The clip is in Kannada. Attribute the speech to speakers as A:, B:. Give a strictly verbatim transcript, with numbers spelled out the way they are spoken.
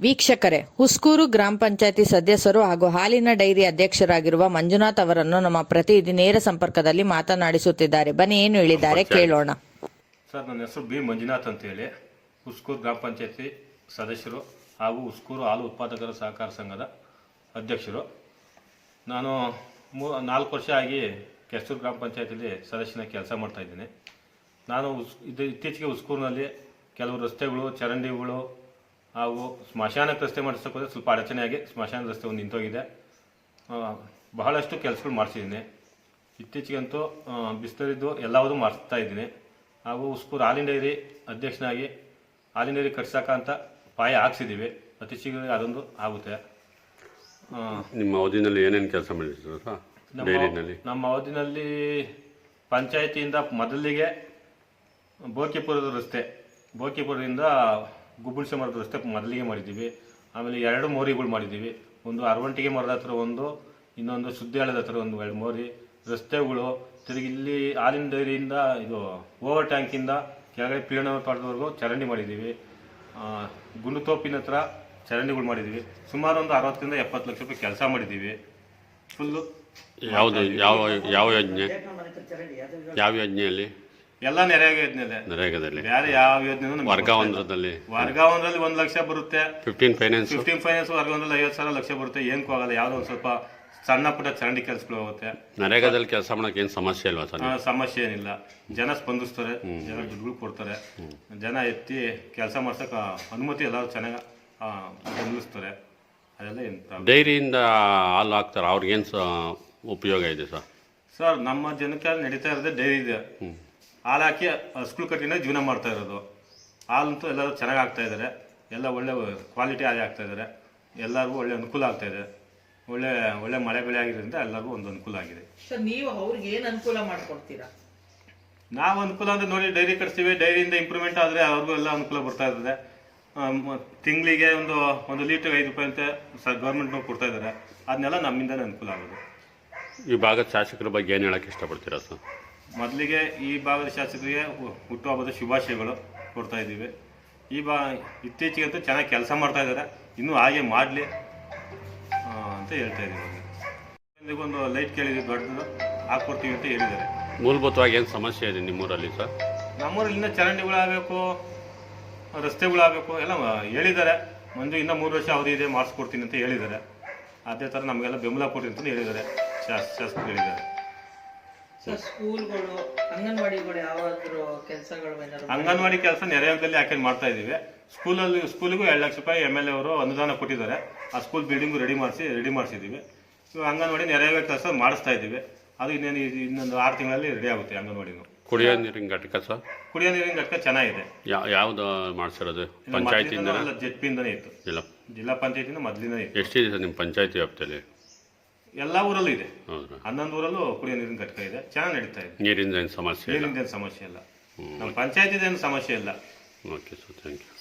A: ವೀಕ್ಷಕರೇ, ಹುಸ್ಕೂರು ಗ್ರಾಮ ಪಂಚಾಯತಿ ಸದಸ್ಯರು ಹಾಗೂ ಹಾಲಿನ ಡೈರಿ ಅಧ್ಯಕ್ಷರಾಗಿರುವ ಮಂಜುನಾಥ್ ಅವರನ್ನು ನಮ್ಮ ಪ್ರತಿನಿಧಿ ನೇರ ಸಂಪರ್ಕದಲ್ಲಿ ಮಾತನಾಡಿಸುತ್ತಿದ್ದಾರೆ. ಬನ್ನಿ, ಏನು ಹೇಳಿದ್ದಾರೆ ಕೇಳೋಣ.
B: ಸರ್, ನನ್ನ ಹೆಸರು ಬಿ ಮಂಜುನಾಥ್ ಅಂತೇಳಿ, ಹುಸ್ಕೂರು ಗ್ರಾಮ ಪಂಚಾಯತಿ ಸದಸ್ಯರು ಹಾಗೂ ಹುಸ್ಕೂರು ಹಾಲು ಉತ್ಪಾದಕರ ಸಹಕಾರ ಸಂಘದ ಅಧ್ಯಕ್ಷರು. ನಾನು ಮೂ ನಾಲ್ಕು ವರ್ಷ ಆಗಿ ಕೆಸ್ತೂರು ಗ್ರಾಮ ಪಂಚಾಯತಿಲಿ ಸದಸ್ಯನ ಕೆಲಸ ಮಾಡ್ತಾಯಿದ್ದೀನಿ. ನಾನು ಉಸ್ ಇದು ಇತ್ತೀಚೆಗೆ ಹುಸ್ಕೂರಿನಲ್ಲಿ ಕೆಲವು ರಸ್ತೆಗಳು, ಚರಂಡಿಗಳು ಹಾಗೂ ಸ್ಮಶಾನಕ್ಕೆ ರಸ್ತೆ ಮಾಡಿಸೋಕೆ ಹೋದರೆ ಸ್ವಲ್ಪ ಅಡಚಣೆಯಾಗಿ ಸ್ಮಶಾನ ರಸ್ತೆ ಒಂದು ನಿಂತೋಗಿದೆ. ಬಹಳಷ್ಟು ಕೆಲಸಗಳು ಮಾಡಿಸಿದ್ದೀನಿ. ಇತ್ತೀಚೆಗಂತೂ ಬಿಸ್ತರಿದ್ದು ಎಲ್ಲವೂ ಮಾಡಿಸ್ತಾ ಇದ್ದೀನಿ. ಹಾಗೂ ಹುಸ್ಕೂರು ಹಾಲಿನ ಡೈರಿ ಅಧ್ಯಕ್ಷನಾಗಿ ಹಾಲಿನ ಡೈರಿ ಕಟ್ಸೋಕ್ಕಂತ ಪಾಯ ಹಾಕ್ಸಿದ್ದೀವಿ. ಅತಿ ಶೀಘ್ರ ಅದೊಂದು ಆಗುತ್ತೆ.
C: ನಿಮ್ಮ ಅವಧಿನಲ್ಲಿ ಏನೇನು ಕೆಲಸ ಮಾಡಿದ್ರು ಸರ್?
B: ನಮ್ಮ ಅವಧಿನಲ್ಲಿ ಪಂಚಾಯತಿಯಿಂದ ಮೊದಲಿಗೆ ಬೋಕಿಪುರದ ರಸ್ತೆ, ಬೋಕಿಪುರದಿಂದ ಗುಬ್ಬುಳ್ಸೆ ಮರದ ರಸ್ತೆ ಮೊದಲಿಗೆ ಮಾಡಿದ್ದೀವಿ. ಆಮೇಲೆ ಎರಡು ಮೋರಿಗಳು ಮಾಡಿದ್ದೀವಿ. ಒಂದು ಅರವಂಟಿಗೆ ಮರದ ಹತ್ರ ಒಂದು, ಇನ್ನೊಂದು ಸುದ್ದಿಯಾಳದ ಹತ್ರ ಒಂದು ಎರಡು ಮೋರಿ ರಸ್ತೆಗಳು. ತಿರುಗಿ ಇಲ್ಲಿ ಹಾಲಿನ ಡೈರಿಯಿಂದ ಇದು ಓವರ್ ಟ್ಯಾಂಕಿಂದ ಕೆಳಗಡೆ ಪೀಳನ ತೋಟದವರೆಗೂ ಚರಂಡಿ ಮಾಡಿದ್ದೀವಿ. ಗುಂಡುತೋಪಿನ ಹತ್ರ ಚರಂಡಿಗಳು ಮಾಡಿದ್ದೀವಿ. ಸುಮಾರು ಒಂದು ಅರವತ್ತರಿಂದ ಎಪ್ಪತ್ತು ಲಕ್ಷ ರೂಪಾಯಿ ಕೆಲಸ ಮಾಡಿದ್ದೀವಿ. ಫುಲ್ಲು
C: ಯಾವುದು ಯಾವ ಯಾವ ಯೋಜನೆ ಯಾವ ಯೋಜನೆಯಲ್ಲಿ?
B: ಎಲ್ಲ ನೆರೆಯಾಗ ಯೋಜನೆ
C: ನರೇಗಾದಲ್ಲಿ
B: ಬೇರೆ ಯಾವ ಯೋಜನೆ
C: ವರ್ಗಾವಂಧ್ರದಲ್ಲಿ
B: ವರ್ಗಾವಂಧ್ರಲ್ಲಿ ಒಂದು ಲಕ್ಷ ಬರುತ್ತೆ.
C: ಫಿಫ್ಟೀನ್ ಫೈನಾನ್ಸ್
B: ಫಿಫ್ಟೀನ್ ಫೈನಾನ್ಸ್ ವರ್ಗಾವಂಧ್ರಲ್ಲಿ ಐವತ್ತು ಸಾವಿರ ಲಕ್ಷ ಬರುತ್ತೆ. ಏನಕ್ಕೂ ಆಗಲ್ಲ. ಯಾವುದೋ ಒಂದು ಸ್ವಲ್ಪ ಸಣ್ಣ ಪುಟ್ಟ ಚರಂಡಿ ಕೆಲಸಗಳು ಹೋಗುತ್ತೆ.
C: ನರೇಗಾದಲ್ಲಿ ಕೆಲಸ ಮಾಡೋಕೆ ಏನು ಸಮಸ್ಯೆ ಇಲ್ವಾ ಸರ್?
B: ಸಮಸ್ಯೆ ಏನಿಲ್ಲ. ಜನ ಸ್ಪಂದಿಸ್ತಾರೆ, ಜನ ದುಡ್ಡುಗಳು ಕೊಡ್ತಾರೆ, ಜನ ಎತ್ತಿ ಕೆಲಸ ಮಾಡ್ಸೋಕೆ ಅನುಮತಿ ಎಲ್ಲ ಚೆನ್ನಾಗಿ ಬೆಂಬಲಿಸ್ತಾರೆ. ಅದೆಲ್ಲ ಏನು ಪ್ರಾಬ್ಲಮ್.
C: ಡೈರಿಯಿಂದ ಹಾಲು ಹಾಕ್ತಾರೆ, ಅವ್ರಿಗೇನು ಸ ಉಪಯೋಗ ಇದೆ ಸರ್?
B: ಸರ್, ನಮ್ಮ ಜನಕ್ಕೆ ನಡೀತಾ ಇರೋದೇ ಡೈರಿ ಇದೆ. ಹಾಲು ಹಾಕಿ ಹಸ್ಗಳು ಕಟ್ಟಿನ ಜೀವನ ಮಾಡ್ತಾ ಇರೋದು. ಹಾಲಂತೂ ಎಲ್ಲರೂ ಚೆನ್ನಾಗಿ ಆಗ್ತಾ ಇದ್ದಾರೆ. ಎಲ್ಲ ಒಳ್ಳೆ ಕ್ವಾಲಿಟಿ ಹಾಲು ಆಗ್ತಾ ಇದ್ದಾರೆ. ಎಲ್ಲರಿಗೂ ಒಳ್ಳೆ ಅನುಕೂಲ ಆಗ್ತಾ ಇದೆ. ಒಳ್ಳೆ ಒಳ್ಳೆ ಮಳೆ ಬೆಳೆ ಆಗಿರೋದ್ರಿಂದ ಎಲ್ಲರಿಗೂ ಒಂದು ಅನುಕೂಲ ಆಗಿದೆ.
A: ಸರ್, ನೀವು ಅವ್ರಿಗೆ ಏನು ಅನುಕೂಲ ಮಾಡಿಕೊಡ್ತೀರಾ?
B: ನಾವು ಅನುಕೂಲ ಅಂದರೆ ನೋಡಿ, ಡೈರಿ ಕಟ್ತೀವಿ. ಡೈರಿಯಿಂದ ಇಂಪ್ರೂವ್ಮೆಂಟ್ ಆದರೆ ಅವ್ರಿಗೂ ಎಲ್ಲ ಅನುಕೂಲ ಬರ್ತಾ ಇರ್ತದೆ. ತಿಂಗಳಿಗೆ ಒಂದು ಒಂದು ಲೀಟ್ರಿಗೆ ಐದು ರೂಪಾಯಿ ಅಂತ ಸ ಗೌರ್ಮೆಂಟ್ನವ್ರು ಕೊಡ್ತಾ ಇದ್ದಾರೆ. ಅದನ್ನೆಲ್ಲ ನಮ್ಮಿಂದಲೇ ಅನುಕೂಲ ಆಗೋದು.
C: ಈ ಭಾಗದ ಶಾಸಕರ ಬಗ್ಗೆ ಏನು ಹೇಳೋಕ್ಕೆ ಇಷ್ಟಪಡ್ತೀರಾ ಸರ್?
B: ಮೊದಲಿಗೆ ಈ ಭಾಗದ ಶಾಸಕರಿಗೆ ಹುಟ್ಟುಹಬ್ಬದ ಶುಭಾಶಯಗಳು ಕೊಡ್ತಾ ಇದ್ದೀವಿ. ಈ ಬಾ ಇತ್ತೀಚೆಗಂತೂ ಚೆನ್ನಾಗಿ ಕೆಲಸ ಮಾಡ್ತಾ ಇದ್ದಾರೆ. ಇನ್ನೂ ಹಾಗೆ ಮಾಡಲಿ ಅಂತ ಹೇಳ್ತಾ ಇದ್ದೀವಿ. ಒಂದು ಲೈಟ್ ಕೇಳಿದ್ವಿ, ದೊಡ್ಡದು ಹಾಕ್ಕೊಡ್ತೀವಿ ಅಂತ ಹೇಳಿದ್ದಾರೆ.
C: ಮೂಲಭೂತವಾಗಿ ಏನು ಸಮಸ್ಯೆ ಇದೆ ನಿಮ್ಮೂರಲ್ಲಿ ಸರ್?
B: ನಮ್ಮೂರಲ್ಲಿ ಇನ್ನೂ ಚರಂಡಿಗಳಾಗಬೇಕು, ರಸ್ತೆಗಳಾಗಬೇಕು ಎಲ್ಲ ಹೇಳಿದ್ದಾರೆ. ಒಂದು ಇನ್ನೂ ಮೂರು ವರ್ಷ ಅವಧಿ ಇದೆ, ಮಾಡಿಸ್ಕೊಡ್ತೀನಿ ಅಂತ ಹೇಳಿದ್ದಾರೆ. ಅದೇ ಥರ ನಮಗೆಲ್ಲ ಬೆಂಬಲ ಕೊಡ್ತೀನಿ ಅಂತ ಹೇಳಿದ್ದಾರೆ, ಶಾಸ ಶಾಸಕರು ಹೇಳಿದ್ದಾರೆ.
A: ಸರ್, ಸ್ಕೂಲ್ಗಳು, ಅಂಗನವಾಡಿಗಳು ಯಾವಾದರೂ ಕೆಲಸಗಳು?
B: ಅಂಗನವಾಡಿ ಕೆಲಸ ನೆರೆಹೊರೆಯಲ್ಲಿ ಯಾಕೆ ಮಾಡ್ತಾ ಇದ್ದೀವಿ. ಸ್ಕೂಲಲ್ಲಿ ಸ್ಕೂಲಿಗೂ ಎರಡು ಲಕ್ಷ ರೂಪಾಯಿ ಎಮ್ ಎಲ್ ಎ ಅವರು ಅನುದಾನ ಕೊಟ್ಟಿದ್ದಾರೆ. ಆ ಸ್ಕೂಲ್ ಬಿಲ್ಡಿಂಗು ರೆಡಿ ಮಾಡಿಸಿ ರೆಡಿ ಮಾಡಿಸಿದ್ದೀವಿ. ಇವಾಗ ಅಂಗನವಾಡಿ ನೆರೆಹೊರೆ ಕೆಲಸ ಮಾಡಿಸ್ತಾ ಇದ್ದೀವಿ. ಅದು ಇನ್ನೇನು ಇನ್ನೊಂದು ಆರು ತಿಂಗಳಲ್ಲಿ ರೆಡಿ ಆಗುತ್ತೆ ಅಂಗನವಾಡಿನೂ.
C: ಕುಡಿಯೋ ನೀರಿನ ಘಟಕ ಸರ್?
B: ಕುಡಿಯೋ ನೀರಿನ ಘಟಕ ಚೆನ್ನಾಗಿದೆ.
C: ಯಾವ್ದು ಮಾಡಿಸಿರೋದು? ಪಂಚಾಯತಿಯಿಂದ?
B: ಜೆಡ್ ಪಿಯಿಂದನೇ ಇತ್ತು.
C: ಜಿಲ್ಲಾ
B: ಜಿಲ್ಲಾ ಪಂಚಾಯತಿಂದ ಮೊದಲಿಂದ ಇತ್ತು.
C: ಎಷ್ಟಿದೆ ಸರ್ ನಿಮ್ಮ ಪಂಚಾಯತಿ ವ್ಯಾಪ್ತಿಯಲ್ಲಿ?
B: ಎಲ್ಲ ಊರಲ್ಲೂ ಇದೆ. ಹನ್ನೊಂದು ಊರಲ್ಲೂ ಕುಡಿಯೋ ನೀರಿನ ಘಟಕ ಇದೆ. ಚೆನ್ನಾಗಿ ನಡೀತಾ ಇದೆ.
C: ನೀರಿಂದ ಏನು ಸಮಸ್ಯೆ?
B: ನೀರಿಂದ ಏನು ಸಮಸ್ಯೆ ಇಲ್ಲ. ನಮ್ಮ ಪಂಚಾಯತಿದ ಏನು ಸಮಸ್ಯೆ ಇಲ್ಲ.
C: Okay sir, thank you.